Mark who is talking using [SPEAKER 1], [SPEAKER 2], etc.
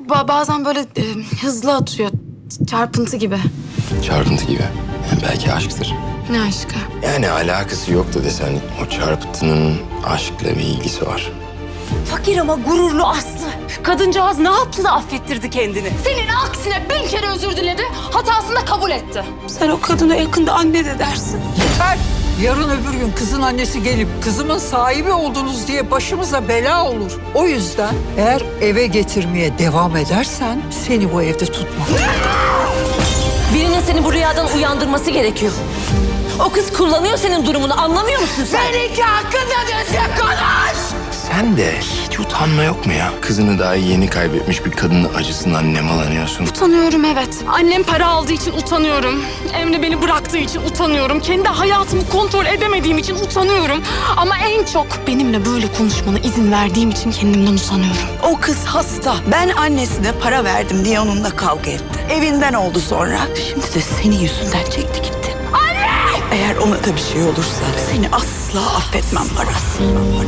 [SPEAKER 1] bazen böyle hızlı atıyor. Çarpıntı gibi.
[SPEAKER 2] Çarpıntı gibi. Yani belki aşktır.
[SPEAKER 1] Ne aşkı?
[SPEAKER 2] Yani alakası yoktu desen o çarpıntının aşkla bir ilgisi var.
[SPEAKER 3] Fakir ama gururlu Aslı. Kadıncağız ne yaptı da affettirdi kendini?
[SPEAKER 1] Senin aksine 1000 kere özür diledi. Hatasını da kabul etti.
[SPEAKER 3] Sen o kadına yakında anne de dersin.
[SPEAKER 4] Yeter. Yarın öbür gün kızın annesi gelip kızımın sahibi oldunuz diye başımıza bela olur. O yüzden eğer eve getirmeye devam edersen seni bu evde tutmam.
[SPEAKER 3] Birinin seni bu rüyadan uyandırması gerekiyor. O kız kullanıyor senin durumunu, anlamıyor musun sen?
[SPEAKER 4] Seninki hakkında düzgün konuş!
[SPEAKER 2] Sen de hiç utanma yok mu ya? Kızını daha yeni kaybetmiş bir kadının acısından nemalanıyorsun.
[SPEAKER 1] Utanıyorum evet. Annem para aldığı için utanıyorum. Emre beni bıraktığı için utanıyorum. Kendi hayatımı kontrol edemediğim için utanıyorum. Ama en çok benimle böyle konuşmana izin verdiğim için kendimden utanıyorum.
[SPEAKER 5] O kız hasta. Ben annesine para verdim diye onunla kavga etti. Evinden oldu sonra. Şimdi de senin yüzünden çekti gitti. Anne! Eğer ona da bir şey olursa seni asla affetmem Aras.